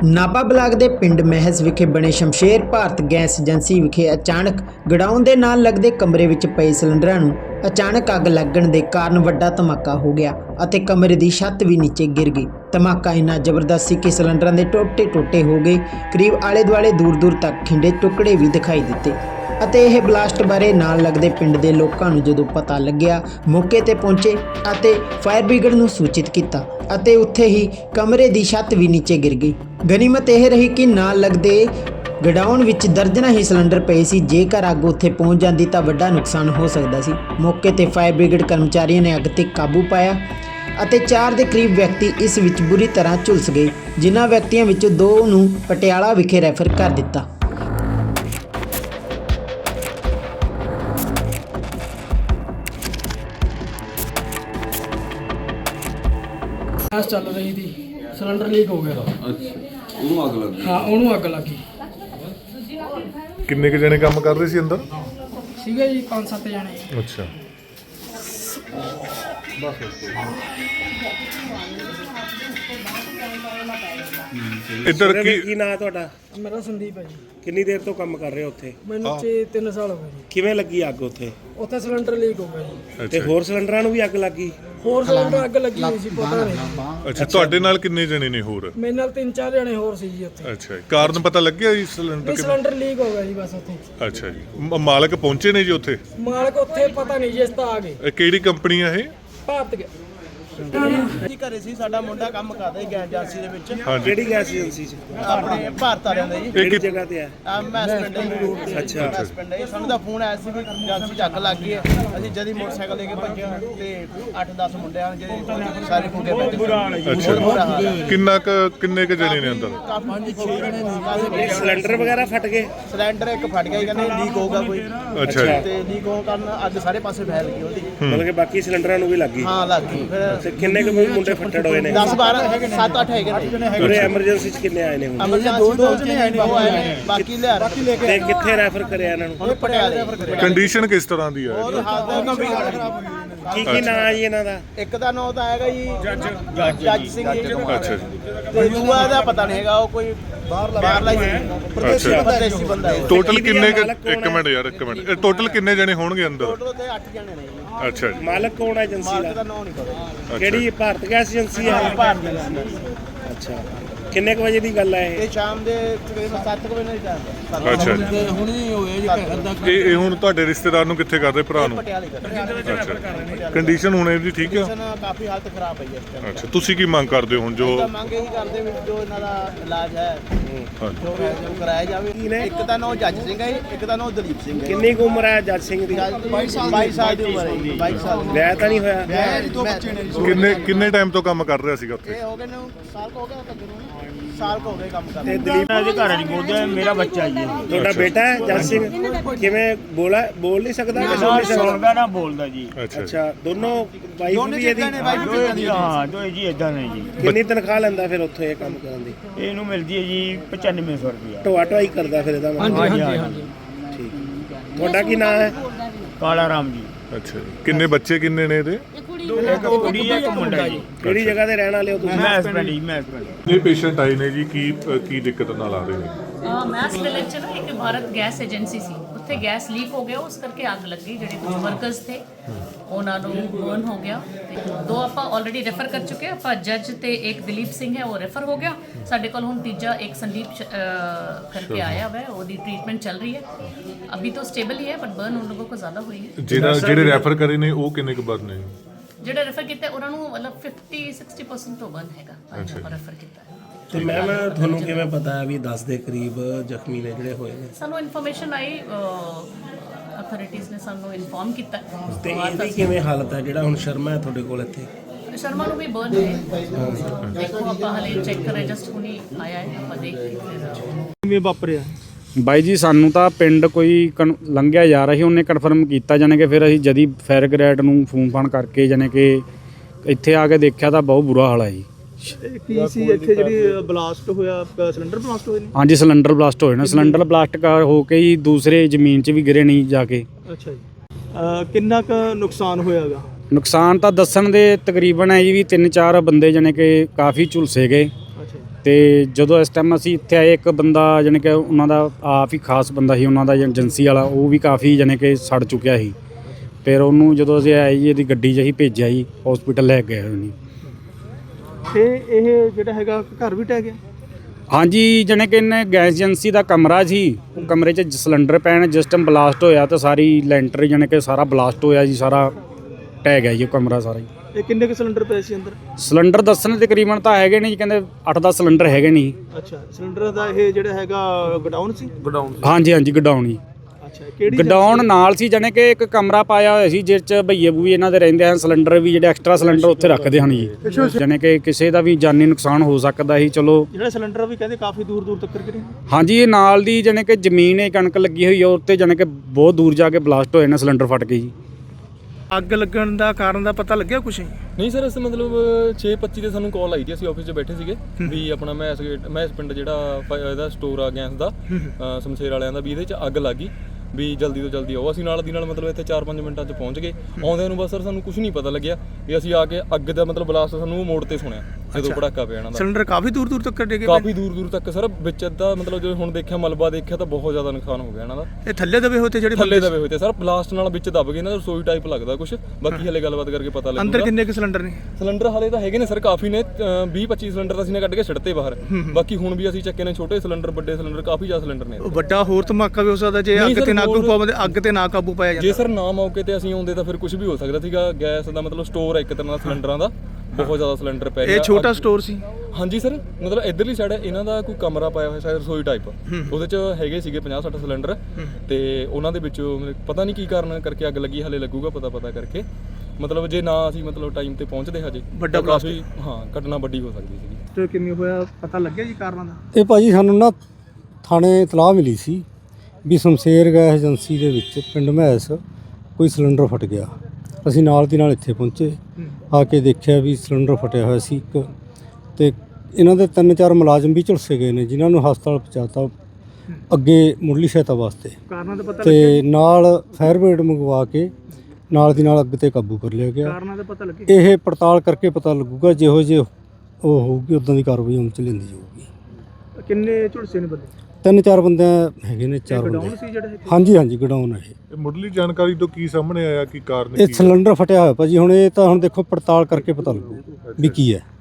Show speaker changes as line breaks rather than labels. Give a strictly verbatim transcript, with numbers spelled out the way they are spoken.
Nabha block ਦੇ ਪਿੰਡ ਮਹਿਜ਼ ਵਿਖੇ ਬਣੇ ਸ਼ਮਸ਼ੇਰ ਭਾਰਤ ਗੈਸ ਏਜੰਸੀ ਵਿਖੇ ਅਚਾਨਕ ਗੋਡਾਊਨ ਦੇ ਨਾਲ ਲੱਗਦੇ ਕਮਰੇ ਵਿੱਚ ਪਏ ਸਿਲੰਡਰਾਂ ਨੂੰ ਅਚਾਨਕ ਅੱਗ ਲੱਗਣ ਦੇ ਕਾਰਨ ਵੱਡਾ ਧਮਾਕਾ ਹੋ ਗਿਆ ਅਤੇ ਕਮਰੇ ਦੀ ਛੱਤ ਵੀ ਨੀਚੇ ਗਿਰ ਗਈ। ਧਮਾਕਾ ਇੰਨਾ ਜ਼ਬਰਦਸਤ ਸੀ ਕਿ ਸਿਲੰਡਰਾਂ ਦੇ ਟੋਟੇ-ਟੋਟੇ ਹੋ ਗਏ। ਕਰੀਬ ਆਲੇ-ਦੁਆਲੇ ਦੂਰ-ਦੂਰ ਤੱਕ ਖਿੰਡੇ ਟੁਕੜੇ ਵੀ ਦਿਖਾਈ ਦਿੱਤੇ ਅਤੇ ਇਹ ਬਲਾਸਟ ਬਾਰੇ ਨਾਲ ਲੱਗਦੇ ਪਿੰਡ ਦੇ ਲੋਕਾਂ ਨੂੰ ਜਦੋਂ ਪਤਾ ਲੱਗਿਆ, ਮੌਕੇ ਤੇ ਪਹੁੰਚੇ ਅਤੇ ਫਾਇਰ ਬ੍ਰਿਗੇਡ ਨੂੰ ਸੂਚਿਤ ਕੀਤਾ ਅਤੇ ਉੱਥੇ ਹੀ ਕਮਰੇ ਦੀ ਛੱਤ ਵੀ ਨੀਚੇ ਗਿਰ ਗਈ। ਗਨੀਮਤ ਇਹ ਰਹੀ ਕਿ ਨਾਲ ਲੱਗਦੇ ਗੋਡਾਊਨ ਵਿੱਚ ਦਰਜਨਾਂ ਹੀ ਸਿਲੰਡਰ ਪਏ ਸੀ। ਜੇਕਰ ਅੱਗ ਉੱਥੇ ਪਹੁੰਚ ਜਾਂਦੀ ਤਾਂ ਵੱਡਾ ਨੁਕਸਾਨ ਹੋ ਸਕਦਾ ਸੀ। ਮੌਕੇ ਤੇ ਫਾਇਰ ਬ੍ਰਿਗੇਡ ਕਰਮਚਾਰੀਆਂ ਨੇ ਅੱਗ ਤੇ ਕਾਬੂ ਪਾਇਆ ਅਤੇ ਚਾਰ ਦੇ ਕਰੀਬ ਵਿਅਕਤੀ ਇਸ ਵਿੱਚ ਬੁਰੀ ਤਰ੍ਹਾਂ ਝੁਲਸ ਗਏ, ਜਿਨ੍ਹਾਂ ਵਿਅਕਤੀਆਂ ਵਿੱਚੋਂ ਦੋ ਨੂੰ ਪਟਿਆਲਾ ਵਿਖੇ ਰੈਫਰ ਕਰ ਦਿੱਤਾ।
गैस चल रही थी, सिलेंडर लीक हो गया।
अच्छा, ਉਹਨੂੰ ਅੱਗ ਲੱਗ ਗਈ।
हाँ ਉਹਨੂੰ ਅੱਗ ਲੱਗੀ।
ਕਿੰਨੇ ਕੁ ਜਣੇ ਕੰਮ ਕਰ ਰਹੇ ਸੀ ਅੰਦਰ?
ਸੀਗੇ ਜੀ ਪੰਜ ਸੱਤ ਜਣੇ।
ਅੱਛਾ, ਇੱਧਰ ਕੀ
ਕੀ ਨਾਂ ਹੈ ਤੁਹਾਡਾ?
ਮੇਰਾ ਸੰਦੀਪ ਹੈ ਜੀ।
ਕਿੰਨੀ ਦੇਰ ਤੋਂ ਕੰਮ ਕਰ ਰਹੇ ਹੋ ਉੱਥੇ?
ਮੈਨੂੰ ਛੇ ਤਿੰਨ ਸਾਲ ਹੋ ਗਏ ਜੀ।
ਕਿਵੇਂ ਲੱਗੀ ਅੱਗ ਉੱਥੇ?
ਉੱਥੇ ਸਿਲੰਡਰ ਲੀਕ ਹੋ ਗਿਆ ਜੀ।
ਤੇ ਹੋਰ ਸਿਲੰਡਰਾਂ ਨੂੰ ਵੀ ਅੱਗ ਲੱਗੀ?
ਹੋਰ ਸਿਲੰਡਰ ਅੱਗ ਲੱਗੀ ਹੋਈ ਸੀ, ਪਤਾ ਨਹੀਂ।
ਅੱਛਾ, ਤੁਹਾਡੇ ਨਾਲ ਕਿੰਨੇ ਜਣੇ ਨੇ ਹੋਰ?
ਮੇਰੇ ਨਾਲ ਤਿੰਨ ਚਾਰ ਜਣੇ ਹੋਰ ਸੀ ਜੀ ਉੱਥੇ।
ਅੱਛਾ, ਕਾਰਨ ਪਤਾ ਲੱਗਿਆ ਜੀ ਸਿਲੰਡਰ
ਨਹੀਂ,
ਕਿਵੇਂ?
ਸਿਲੰਡਰ ਲੀਕ ਹੋ ਗਿਆ ਜੀ ਬਸ ਉੱਥੇ।
ਅੱਛਾ ਜੀ, ਮ- ਮਾਲਕ ਪਹੁੰਚੇ ਨੇ ਜੀ ਉੱਥੇ?
ਮਾਲਕ ਉੱਥੇ ਪਤਾ ਨਹੀਂ ਜੀ, ਇਸ ਤਾਂ ਆ ਗਏ।
ਇਹ ਕਿਹੜੀ ਕੰਪਨੀ ਆ ਇਹ?
ਭਾਰਤ ਗਿਆ
ਜੀ ਘਰੇ ਸੀ। ਸਾਡਾ ਮੁੰਡਾ ਕੰਮ ਕਰਦਾ ਜੀ ਗੈਸ ਏਜੰਸੀ ਦੇ ਵਿੱਚ,
ਹਾਂਜੀ,
ਕਿਹੜੀ ਗੈਸ ਏਜੰਸੀ 'ਚ?
ਆਪਣੇ ਭਾਰਤ ਵਾਲਿਆਂ ਦਾ ਜੀ।
ਇਹ
ਕਿਹੜੀ
ਕਿ-
ਜਗ੍ਹਾ ਤੇ ਹੈ?
ਆ ਮੈਸ ਪਿੰਡ ਹੈ ਰੋਡ ਤੇ।
ਅੱਛਾ।
ਮੈਸ ਪਿੰਡ ਹੈ। ਸਾਨੂੰ ਤਾਂ ਫੋਨ ਆਇਆ ਸੀ ਵੀ ਏਜੰਸੀ 'ਚ ਅੱਗ ਲੱਗ ਗਈ ਹੈ। ਅਸੀਂ ਜਦ ਹੀ ਮੋਟਰਸਾਈਕਲ ਲੈ ਕੇ ਭੱਜੇ ਤੇ ਅੱਠ ਦਸ ਮੁੰਡੇ ਹਨ ਜਿਹੜੇ ਸਾਰੇ ਫੁੱਟੇ ਬੈਠੇ।
ਅੱਛਾ
ਬਹੁਤ ਬੁਰਾ ਹਾਲ ਹੈ।
ਕਿੰਨਾ ਕੁ ਕਿੰਨੇ ਕੁ ਜਣੇ ਨੇ ਅੰਦਰ?
ਕਾਫੀ ਛੇ ਜਣੇ ਨੇ।
ਸਿਲੰਡਰ ਵਗੈਰਾ ਫਟ ਗਏ?
ਸਿਲੰਡਰ ਇੱਕ ਫਟ ਗਿਆ ਜੀ, ਕਹਿੰਦੇ ਲੀਕ ਹੋਊਗਾ ਕੋਈ।
ਅੱਛਾ ਜੀ,
ਤੇ ਲੀਕ ਹੋਣ ਕਾਰਨ ਅੱਗ ਸਾਰੇ ਪਾਸੇ ਫੈਲ ਗਈ ਉਹਦੀ।
ਮਤਲਬ ਕਿ ਬਾਕੀ ਸਿਲੰਡਰਾਂ ਨੂੰ ਵੀ ਲੱਗੀ?
ਹਾਂ ਲੱਗ ਗਈ। ਫਿਰ
ਤੇ ਕਿੰਨੇ ਕੁ ਮੁੰਡੇ ਫੱਟੜ ਹੋਏ ਨੇ?
ਦਸ ਬਾਰਾਂ ਹੈਗੇ ਨੇ, ਸੱਤ ਅੱਠ ਹੈਗੇ ਨੇ।
ਪੂਰੇ ਐਮਰਜੈਂਸੀ 'ਚ ਕਿੰਨੇ ਆਏ ਨੇ ਹੁਣ?
ਦੋ ਦੋ ਜਣੇ ਆਏ ਨੇ, ਉਹ ਆਏ ਨੇ, ਬਾਕੀ ਲਿਆ ਬਾਕੀ ਲੈ
ਤੇ ਕਿੱਥੇ ਰੈਫਰ ਕਰਿਆ ਇਹਨਾਂ ਨੂੰ?
ਇਹ ਪਟਿਆਲੇ।
ਕੰਡੀਸ਼ਨ ਕਿਸ ਤਰ੍ਹਾਂ ਦੀ ਹੈ?
ਬਹੁਤ ਹਾਲਤ ਹੈ ਗੰਭੀਰ ਖਰਾਬ।
ਕੀ ਕੀ ਨਾਂ ਹੈ ਜੀ ਇਹਨਾਂ ਦਾ?
ਇੱਕ ਦਾ ਨਾਂ ਤਾਂ ਹੈਗਾ ਜੀ ਜੱਜ ਜੱਜ ਸਿੰਘ ਜੀ।
ਅੱਛਾ ਜੀ,
ਤੇ ਦੂਆ ਦਾ ਪਤਾ ਨਹੀਂ ਹੈਗਾ, ਉਹ ਕੋਈ ਬਾਹਰਲਾ ਹੀ ਹੈ, ਪ੍ਰਦੇਸੀ
ਅੱਛਾ।
ਪ੍ਰਦੇਸੀ ਬੰਦਾ ਹੈ।
ਟੋਟਲ ਕਿੰਨੇ ਕੁ-
ਮਾਲਕ ਕੌਣ
ਇੱਕ ਮਿੰਟ ਯਾਰ, ਇੱਕ ਮਿੰਟ, ਇਹ ਟੋਟਲ ਕਿੰਨੇ ਜਣੇ ਹੋਣਗੇ ਅੰਦਰ?
ਟੋਟਲ ਤੇ ਅੱਠ ਜਣੇ ਨੇ ਜੀ।
ਅੱਛਾ ਜੀ,
ਮਾਲਕ ਕੌਣ ਹੈ ਏਜੰਸੀ
ਮਾਲਕ ਦਾ
ਦਾ?
ਨਾਂ ਨਹੀਂ ਪਤਾ।
ਅੱਛਾ।
ਕਿਹੜੀ ਭਾਰਤ ਗੈਸ ਏਜੰਸੀ ਹੈ?
ਭਾਰਤ ਦੀ ਸੀ।
ਅੱਛਾ, ਕਿੰਨੇ ਕੁ ਵਜੇ ਦੀ ਗੱਲ ਹੈ ਇਹ?
ਇਹ ਸ਼ਾਮ ਦੇ ਤਕਰੀਬਨ ਸੱਤ ਵਜੇ ਨਾਲ ਟਾਈਮ
ਅੱਛਾ ਜੀ,
ਹੁਣੇ ਹੋਇਆ ਜੀ ਅੱਧਾ
ਇਹ ਇਹ ਹੁਣ ਤੁਹਾਡੇ ਰਿਸ਼ਤੇਦਾਰ ਨੂੰ ਕਿੱਥੇ ਕਰਦੇ? ਭਰਾ ਨੂੰ?
ਪਟਿਆਲੇ ਕਰ
ਅੱਛਾ, ਕੰਡੀਸ਼ਨ ਹੁਣ ਇਹਦੀ ਠੀਕ ਆ?
ਕਾਫੀ ਹਾਲਤ ਖਰਾਬ ਹੈ ਜੀ ਇਸ time।
ਅੱਛਾ, ਤੁਸੀਂ ਕੀ ਮੰਗ ਕਰਦੇ ਹੋ ਹੁਣ ਜੋ?
ਤਾਂ ਮੰਗ ਇਹੀ ਕਰਦੇ ਵੀ ਜੋ ਇਹਨਾਂ ਦਾ ਇਲਾਜ ਹੈ
ਹਾਂਜੀ,
ਜੋ ਹੈ ਜੋ ਕਰਾਇਆ ਜਾਵੇ। ਇੱਕ ਦਾ ਨਾਂ ਜੱਜ ਸਿੰਘ ਹੈ ਜੀ, ਇੱਕ ਦਾ ਨਾਂ ਦਲੀਪ ਸਿੰਘ ਹੈ।
ਕਿੰਨੀ ਕੁ ਉਮਰ ਹੈ ਜੱਜ ਸਿੰਘ ਦੀ?
ਬਾਈ ਸਾਲ ਦੀ ਉਮਰ ਹੈ ਜੀ। ਬਾਈ ਸਾਲ ਦੀ।
ਵਿਆਹ ਤਾਂ ਨਹੀਂ ਹੋਇਆ?
ਮੈਂ ਦੋ ਬੱਚੇ ਨੇ।
ਕਿੰਨੇ ਕਿੰਨੇ ਟਾਈਮ ਤੋਂ ਕੰਮ ਕਰ ਰਿਹਾ ਸੀਗਾ ਉੱਥੇ?
ਇਹ ਹੋ ਗਏ ਨੇ ਸਾਲ ਕੋ ਹੋ ਗਿਆ ਤੱਕ ਨੂੰ ਸਾਲ ਕੋ ਹੋ ਗਏ ਕੰਮ
ਤੇ
ਕਰਦੇ।
ਦਲੀਪ
ਇਹਦੇ ਘਰ ਵਾਲੀ ਬੋਲਦਾ ਮੇਰਾ ਬੱਚਾ ਜੀ।
ਤੁਹਾਡਾ ਬੇਟਾ ਹੈ ਜੱਜ ਸਿੰਘ? ਕਿਵੇਂ ਬੋਲਾ ਬੋਲ ਨਹੀਂ ਸਕਦਾ ਕਿ ਸੁਣ
ਨਾ
ਨਹੀਂ ਸਕਦਾ?
ਸੁਣਦਾ ਨਾ ਬੋਲਦਾ ਜੀ।
ਅੱਛਾ ਜੀ,
ਅੱਛਾ, ਦੋਨੋਂ ਵਾਈਫ
ਦੋਨੇ
ਵੀ
ਜਿੱਦਾਂ
ਇਹਦੀ?
ਨੇ ਵਾਈਫ ਵੀ
ਦੋਏ ਜੀ, ਹਾਂ ਦੋਏ ਜੀ ਇਦਾਂ ਨੇ ਜੀ।
ਕਿੰਨੀ ਤਨਖਾਹ ਲੈਂਦਾ ਫਿਰ ਉੱਥੇ ਇਹ ਕੰਮ ਕਰਨ ਦੀ?
ਇਹਨੂੰ ਮਿਲਦੀ ਹੈ ਜੀ ਪਚਾਨਵੇਂ ਸੌ ਰੁਪਇਆ।
ਢੋਆ ਢੋਆਈ ਕਰਦਾ ਫਿਰ ਇਹਦਾ ਮਤਲਬ?
ਹਾਂਜੀ
ਹਾਂਜੀ,
ਹਾਂਜੀ
ਠੀਕ। ਤੁਹਾਡਾ ਕੀ ਨਾਮ ਹੈ?
ਕਾਲਾ ਰਾਮ ਜੀ।
ਅੱਛਾ ਜੀ, ਕਿੰਨੇ ਬੱਚੇ ਕਿੰਨੇ ਨੇ ਇਹਦੇ?
ਇੱਕ ਕੁੜੀ ਹੈ ਇੱਕ ਮੁੰਡਾ ਜੀ।
ਕਿਹੜੀ ਜਗ੍ਹਾ ਤੇ ਰਹਿਣ ਵਾਲੇ ਹੋ ਤੁਸੀਂ?
ਮੈਂ ਹਸਬੈਂਡ ਜੀ, ਮੈਂ ਹਸਬੈਂਡ।
ਇਹ ਪੇਸ਼ੈਂਟ ਆਏ ਨੇ ਜੀ, ਕੀ ਕੀ ਦਿੱਕਤ ਨਾਲ ਆ ਰਹੇ ਨੇ?
ਮੈਸ ਵਿਲੇਜ 'ਚ ਨਾ ਇੱਕ ਭਾਰਤ ਗੈਸ ਏਜੰਸੀ ਸੀ, ਉੱਥੇ ਗੈਸ ਲੀਕ ਹੋ ਗਿਆ, ਉਸ ਕਰਕੇ ਅੱਗ ਲੱਗੀ। ਜਿਹੜੇ ਕੁਝ ਵਰਕਰਸ ਥੇ ਉਹਨਾਂ ਨੂੰ ਬਰਨ ਹੋ ਗਿਆ। ਤੇ ਦੋ ਆਪਾਂ ਆਲਰੇਡੀ ਰੈਫਰ ਕਰ ਚੁੱਕੇ ਆਪਾਂ, ਜੱਜ ਤੇ ਇੱਕ ਦਲੀਪ ਸਿੰਘ ਹੈ ਉਹ ਰੈਫਰ ਹੋ ਗਿਆ। ਸਾਡੇ ਕੋਲ ਹੁਣ ਤੀਜਾ ਇੱਕ ਸੰਦੀਪ ਸ਼- ਅਹ ਕਰਕੇ ਆਇਆ ਵਾ, ਉਹਦੀ ਟ੍ਰੀਟਮੈਂਟ ਚੱਲ ਰਹੀ ਹੈ। ਅਭੀ ਤਾਂ ਸਟੇਬਲ ਹੀ ਹੈ, ਬਟ ਬਰਨ ਉਨ ਲੋਗੋਂ ਕੋ ਜ਼ਿਆਦਾ ਹੋਈ ਹੈ।
ਜਿਹੜਾ ਜਿਹੜੇ ਰੈਫਰ ਕਰੇ ਨੇ ਉਹ ਕਿੰਨੇ ਕੁ ਬਰ ਨੇ?
ਜਿਹੜਾ ਰੈਫਰ ਕੀਤਾ ਉਹਨਾਂ ਨੂੰ ਮਤਲਬ ਫਿਫਟੀ ਸਿਕਸਟੀ ਪਰਸੈਂਟ ਤੋਂ ਬਰਨ ਹੈਗਾ, ਆਪਾਂ ਰੈਫਰ ਕੀਤਾ ਹੈ।
ਤੇ ਮੈਮ ਤੁਹਾਨੂੰ ਕਿਵੇਂ ਪਤਾ ਹੈ ਵੀ ਦਸ ਦੇ ਕਰੀਬ ਜ਼ਖਮੀ ਨੇ ਜਿਹੜੇ ਹੋਏ ਨੇ?
ਸਾਨੂੰ ਇਨਫੋਰਮੇਸ਼ਨ ਆਈ, ਅਥਾਰਟੀਜ਼ ਨੇ ਸਾਨੂੰ ਇਨਫੋਰਮ ਕੀਤਾ।
ਤੇ ਇਹਦੀ ਕਿਵੇਂ ਹਾਲਤ ਹੈ ਜਿਹੜਾ ਹੁਣ ਸ਼ਰਮਾ ਹੈ ਤੁਹਾਡੇ ਕੋਲ ਇੱਥੇ?
ਸ਼ਰਮਾ ਨੂੰ ਵੀ ਬਰਨ ਹੈ। ਦੇਖੋ ਆਪਾਂ ਹਲੇ ਚੈੱਕ ਕਰ ਰਹੇ, ਜਸਟ ਹੁਣੀ ਆਇਆ ਹੈ, ਆਪਾਂ ਦੇਖ ਕੇ ਫਿਰ
ਕਿਵੇਂ ਵਾਪਰਿਆ।
ਬਾਈ ਜੀ ਸਾਨੂੰ ਤਾਂ ਪਿੰਡ ਕੋਈ ਕਨ- ਲੰਘਿਆ ਜਾ ਰਿਹਾ ਸੀ, ਉਹਨੇ ਕਨਫਰਮ ਕੀਤਾ ਜਾਨੇ ਕਿ ਫਿਰ ਅਸੀਂ ਜਦੀ ਫਾਇਰ ਬ੍ਰਿਗੇਡ ਨੂੰ ਫੋਨ ਫਾਨ ਕਰਕੇ ਜਾਨੇ ਕਿ ਇੱਥੇ ਆ ਕੇ ਦੇਖਿਆ ਤਾਂ ਬਹੁਤ ਬੁਰਾ ਹਾਲ ਹੈ ਜੀ।
ਕੀ ਸੀ ਇੱਥੇ ਜਿਹੜੀ ਬਲਾਸਟ ਹੋਇਆ, ਸਿਲੰਡਰ ਬਲਾਸਟ ਹੋਏ ਨੇ?
ਹਾਂਜੀ, ਸਿਲੰਡਰ ਬਲਾਸਟ ਹੋਏ ਨਾ। ਸਿਲੰਡਰ ਬਲਾਸਟ ਕਰ ਹੋ ਕੇ ਹੀ ਦੂਸਰੇ ਜ਼ਮੀਨ 'ਚ ਵੀ ਗਿਰੇ ਨਹੀਂ ਜਾ ਕੇ।
ਅੱਛਾ ਜੀ, ਅਹ ਕਿੰਨਾ ਕੁ ਨੁਕਸਾਨ ਹੋਇਆਗਾ?
ਨੁਕਸਾਨ ਤਾਂ ਦੱਸਣ ਦੇ ਤਕਰੀਬਨ ਹੈ ਜੀ ਵੀ ਤਿੰਨ ਚਾਰ ਬੰਦੇ ਜਾਨੇ ਕਿ ਕਾਫੀ ਝੁਲਸੇ ਗਏ
ਅੱਛਾ ਜੀ।
ਤੇ ਜਦੋਂ ਇਸ ਟਾਈਮ ਅਸੀਂ ਇੱਥੇ ਆਏ ਇੱਕ ਬੰਦਾ ਜਾਣੀ ਕਿ ਉਹਨਾਂ ਦਾ ਆਪ ਹੀ ਖਾਸ ਬੰਦਾ ਸੀ ਉਹਨਾਂ ਦਾ ਏਜੰਸੀ ਵਾਲਾ, ਉਹ ਵੀ ਕਾਫੀ ਜਾਣੀ ਕਿ ਸੜ ਚੁੱਕਿਆ ਸੀ। ਫਿਰ ਉਹਨੂੰ ਜਦੋਂ ਅਸੀਂ ਆਏ ਜੀ ਇਹਦੀ ਗੱਡੀ 'ਚ ਅਸੀਂ ਭੇਜਿਆ ਜੀ ਹਸਪੀਟਲ ਲੈ ਕੇ ਗਏ ਉਹਨੂੰ।
ਤੇ ਇਹ ਜਿਹੜਾ ਹੈਗਾ ਘਰ ਵੀ ਟਹਿ ਗਿਆ?
ਹਾਂਜੀ, ਜਾਣੀ ਕਿ ਇਹਨੇ ਗੈਸ ਏਜੰਸੀ ਦਾ ਕਮਰਾ ਸੀ, ਉਹ ਕਮਰੇ 'ਚ ਸਿਲੰਡਰ ਪੈਣ ਜਿਸ ਟਾਈਮ ਬਲਾਸਟ ਹੋਇਆ ਤਾਂ ਸਾਰੀ ਲੈਂਟਰ ਜਾਣੀ ਕਿ ਸਾਰਾ ਬਲਾਸਟ ਹੋਇਆ ਜੀ, ਸਾਰਾ ਟਹਿ ਗਿਆ ਜੀ ਉਹ ਕਮਰਾ ਸਾਰਾ ਜੀ।
ਇਹ ਕਿੰਨੇ ਕੁ ਸਿਲੰਡਰ ਪਏ ਸੀ ਅੰਦਰ?
ਸਿਲੰਡਰ ਦੱਸਣ ਤਕਰੀਬਨ ਤਾਂ ਹੈਗੇ ਨਹੀਂ ਜੀ, ਕਹਿੰਦੇ ਅੱਠ ਦਸ ਸਿਲੰਡਰ ਹੈਗੇ ਨਹੀਂ।
ਅੱਛਾ, ਸਿਲੰਡਰ ਦਾ ਇਹ ਜਿਹੜਾ ਹੈਗਾ ਗਡਾਊਨ ਸੀ?
ਹਾਂਜੀ ਹਾਂਜੀ, ਗਡਾਉਣ ਜੀ।
ਅੱਛਾ, ਕਿਹੜੀ
ਗਡਾਉਣ ਨਾਲ ਸੀ, ਜਾਣੀ ਕਿ ਇੱਕ ਕਮਰਾ ਪਾਇਆ ਹੋਇਆ ਸੀ ਜਿਸ 'ਚ ਭਈਏ ਬੂਈ ਇਹਨਾਂ ਦੇ ਰਹਿੰਦੇ ਹਨ, ਸਿਲੰਡਰ ਵੀ ਜਿਹੜੇ ਐਕਸਟਰਾ ਸਿਲੰਡਰ ਉੱਥੇ ਰੱਖਦੇ ਹਨ ਜੀ, ਜਾਣੀ ਕਿ ਕਿਸੇ ਦਾ ਵੀ ਜਾਨੀ ਨੁਕਸਾਨ ਹੋ ਸਕਦਾ ਸੀ। ਚਲੋ
ਜਿਹੜਾ ਸਿਲੰਡਰ ਵੀ ਕਹਿੰਦੇ ਕਾਫੀ ਦੂਰ ਦੂਰ ਤੱਕ ਗਿਰੇ।
ਹਾਂਜੀ, ਇਹ ਨਾਲ ਦੀ ਜਾਣੀ ਕਿ ਜ਼ਮੀਨ ਹੈ, ਕਣਕ ਲੱਗੀ ਹੋਈ ਹੈ ਉੱਤੇ, ਜਾਣੀ ਕਿ ਬਹੁਤ ਦੂਰ ਜਾ ਕੇ ਬਲਾਸਟ ਹੋਏ ਨੇ ਸਿਲੰਡਰ ਫਟ ਕੇ ਜੀ।
ਅੱਗ ਲੱਗਣ ਦਾ ਕਾਰਨ ਦਾ ਪਤਾ ਲੱਗਿਆ ਕੁਛ?
ਨਹੀਂ ਸਰ, ਅਸੀਂ ਮਤਲਬ ਛੇ ਪੱਚੀ ਤੇ ਸਾਨੂੰ ਕਾਲ ਆਈ ਦੀ, ਅਸੀਂ ਆਫਿਸ 'ਚ ਬੈਠੇ ਸੀਗੇ ਵੀ ਆਪਣਾ ਮੈਸ ਗੇਟ ਮੈਸ ਪਿੰਡ ਜਿਹੜਾ ਪ- ਇਹਦਾ ਸਟੋਰ ਆ ਗੈਸ ਦਾ ਅ, ਸ਼ਮਸ਼ੇਰ ਵਾਲਿਆਂ ਦਾ, ਵੀ ਇਹਦੇ 'ਚ ਅੱਗ ਲੱਗ ਗਈ ਵੀ ਜਲਦੀ ਤੋਂ ਜਲਦੀ ਆਓ। ਅਸੀਂ ਨਾਲ ਦੀ ਨਾਲ ਮਤਲਬ ਇੱਥੇ ਚਾਰ ਪੰਜ ਮਿੰਟਾਂ 'ਚ ਪਹੁੰਚ ਗਏ। ਆਉਂਦਿਆਂ ਨੂੰ ਬਸ ਸਰ ਸਾਨੂੰ ਕੁਝ ਨਹੀਂ ਪਤਾ ਲੱਗਿਆ ਵੀ ਅਸੀਂ ਆ ਕੇ ਅੱਗ ਦਾ ਮਤਲਬ ਬਲਾਸਟ ਸਾਨੂੰ ਮੋੜ ਤੇ ਸੁਣਿਆ ਜਦੋਂ ਪੜਾਕਾ ਪਿਆ ਇਹਨਾਂ ਦਾ।
ਸਿਲੰਡਰ ਕਾਫੀ ਦੂਰ ਦੂਰ ਤੱਕ ਡਿੱਗੇ?
ਕਾਫੀ ਦੂਰ ਦੂਰ ਤੱਕ ਸਰ, ਵਿੱਚ ਦਾ ਮਤਲਬ ਜਦੋਂ ਹੁਣ ਦੇਖਿਆ ਮਲਬਾ ਦੇਖਿਆ ਤਾਂ ਬਹੁਤ ਜ਼ਿਆਦਾ ਨੁਕਸਾਨ ਹੋ ਗਿਆ ਇਹਨਾਂ ਦਾ।
ਇਹ ਥੱਲੇ ਦਬੇ ਹੋਏ ਤੇ ਜਿਹੜੇ
ਥੱਲੇ ਦਬੇ ਹੋਏ ਤੇ ਸਰ, ਬਲਾਸਟ ਨਾਲ ਵਿੱਚ ਦਬ ਗਏ ਨਾ, ਰਸੋਈ ਟਾਈਪ ਲੱਗਦਾ ਕੁਝ। ਬਾਕੀ ਹਲੇ ਗੱਲਬਾਤ ਕਰਕੇ ਪਤਾ ਲੱਗੂਗਾ।
ਅੰਦਰ ਕਿੰਨੇ ਕੁ ਸਿਲੰਡਰ ਨੇ?
ਸਿਲੰਡਰ ਹਲੇ ਤਾਂ ਹੈਗੇ ਨੇ ਸਰ, ਕਾਫੀ ਨੇ, ਵੀਹ ਪੱਚੀ ਸਿਲੰਡਰ ਤਾਂ ਅਸੀਂ ਨੇ ਕੱਢ ਕੇ ਛੱਡਤੇ ਬਾਹਰ। ਬਾਕੀ ਹੁਣ ਵੀ ਅਸੀਂ ਚੱਕੇ ਨੇ ਛੋਟੇ ਸਿਲੰਡਰ, ਵੱਡੇ ਸਿਲੰਡਰ, ਕਾਫੀ ਜ਼ਿਆਦਾ ਸਿਲੰਡਰ ਨੇ।
ਵੱਡਾ ਹੋਰ ਧਮਾਕਾ ਵੀ ਹੋ ਸਕਦਾ ਜੇ ਅੱਗ ਤੇ ਨਾ ਕਾਬੂ ਪਾਉਂਦੇ, ਅੱਗ ਤੇ ਨਾ ਕਾਬੂ ਪਾਇਆ ਜਾਂਦਾ।
ਜੇ ਸਰ ਨਾ ਮੌਕੇ ਤੇ ਅਸੀਂ ਆਉਂਦੇ ਤਾਂ ਫਿਰ ਕੁਝ ਵੀ ਹੋ ਸਕਦਾ ਸੀਗਾ। ਗੈਸ ਦਾ ਮਤਲਬ ਸਟੋਰ ਹੈ ਇੱਕ ਤਰ੍ਹਾਂ ਦਾ ਸਿਲੰਡਰਾਂ ਦਾ, ਬਹੁਤ ਜ਼ਿਆਦਾ ਸਿਲੰਡਰ ਪੈ ਗਿਆ।
ਇਹ ਛੋਟਾ ਸਟੋਰ ਸੀ?
ਹਾਂਜੀ ਸਰ, ਮਤਲਬ ਇਧਰਲੀ ਸਾਈਡ ਇਹਨਾਂ ਦਾ ਕੋਈ ਕਮਰਾ ਪਾਇਆ ਹੋਇਆ ਸ਼ਾਇਦ ਰਸੋਈ ਟਾਈਪ, ਉਹਦੇ 'ਚ ਹੈਗੇ ਸੀਗੇ ਪੰਜਾਹ ਸੱਠ ਸਿਲੰਡਰ ਤੇ ਉਹਨਾਂ ਦੇ ਵਿੱਚੋਂ ਪਤਾ ਨਹੀਂ ਕੀ ਕਾਰਨ ਕਰਕੇ ਅੱਗ ਲੱਗੀ, ਹਲੇ ਲੱਗੂਗਾ ਪਤਾ ਪਤਾ ਕਰਕੇ। ਮਤਲਬ ਜੇ ਨਾ ਅਸੀਂ ਮਤਲਬ ਟਾਈਮ ਤੇ ਪਹੁੰਚਦੇ ਹਜੇ,
ਵੱਡਾ
ਕਾਫੀ ਹਾਂ ਘਟਨਾ ਵੱਡੀ ਹੋ ਸਕਦੀ ਸੀਗੀ।
ਤੇ ਕਿੰਨੀ ਹੋਇਆ ਪਤਾ ਲੱਗਿਆ ਜੀ ਕਾਰਨਾਂ ਦਾ?
ਇਹ ਭਾਜੀ ਸਾਨੂੰ ਨਾ ਥਾਣੇ ਇਤਲਾਹ ਮਿਲੀ ਸੀ ਵੀ ਸ਼ਮਸ਼ੇਰ ਗੈਸ ਏਜੰਸੀ ਦੇ ਵਿੱਚ ਪਿੰਡ ਮਹਿਸ ਕੋਈ ਸਿਲੰਡਰ ਫਟ ਗਿਆ। ਅਸੀਂ ਨਾਲ ਦੀ ਨਾਲ ਇੱਥੇ ਪਹੁੰਚੇ, ਆ ਕੇ ਦੇਖਿਆ ਵੀ ਸਿਲੰਡਰ ਫਟਿਆ ਹੋਇਆ ਸੀ ਇੱਕ, ਤੇ ਇਹਨਾਂ ਦੇ ਤਿੰਨ ਚਾਰ ਮੁਲਾਜ਼ਮ ਵੀ ਝੁਲਸੇ ਗਏ ਨੇ ਜਿਨ੍ਹਾਂ ਨੂੰ ਹਸਪਤਾਲ ਪਹੁੰਚਾਤਾ ਅੱਗੇ ਮੁੱਢਲੀ ਸਹਾਇਤਾ ਵਾਸਤੇ।
ਕਾਰਨਾਂ ਦਾ ਪਤਾ
ਤੇ ਨਾਲ ਫਾਇਰ ਬ੍ਰਿਗੇਡ ਮੰਗਵਾ ਕੇ ਨਾਲ ਦੀ ਨਾਲ ਅੱਗ ਤੇ ਕਾਬੂ ਕਰ ਲਿਆ ਗਿਆ।
ਕਾਰਨਾਂ ਦਾ ਪਤਾ ਲੱਗੇ?
ਇਹ ਪੜਤਾਲ ਕਰਕੇ ਪਤਾ ਲੱਗੂਗਾ, ਜਿਹੋ ਜਿਹੇ ਉਹ ਹੋਊਗੀ ਉਦਾਂ ਦੀ ਕਾਰਵਾਈ ਅਮਲ 'ਚ ਲਿਆਂਦੀ ਜਾਊਗੀ।
ਕਿੰਨੇ ਝੁਲਸੇ ਨੇ ਬੰਦੇ?
ਤਿੰਨ ਚਾਰ ਬੰਦੇ ਹੈਗੇ ਨੇ, ਚਾਰ ਬੰਦੇ।
ਗਡਾਊਨ ਸੀ ਜਿਹੜਾ ਇਹ?
ਹਾਂਜੀ ਹਾਂਜੀ, ਗਡਾਊਨ ਹੈ ਇਹ।
ਇਹ ਮੁੱਢਲੀ ਜਾਣਕਾਰੀ ਤੋਂ ਕੀ ਸਾਹਮਣੇ ਆਇਆ, ਕੀ ਕਾਰਨ
ਇਹ
ਕੀ ਹੈ?
ਸਿਲੰਡਰ ਫਟਿਆ ਹੋਇਆ ਭਾਜੀ, ਹੁਣ ਇਹ ਤਾਂ ਹੁਣ ਦੇਖੋ ਪੜਤਾਲ ਕਰਕੇ ਪਤਾ ਲੱਗੂ ਵੀ ਕੀ ਹੈ।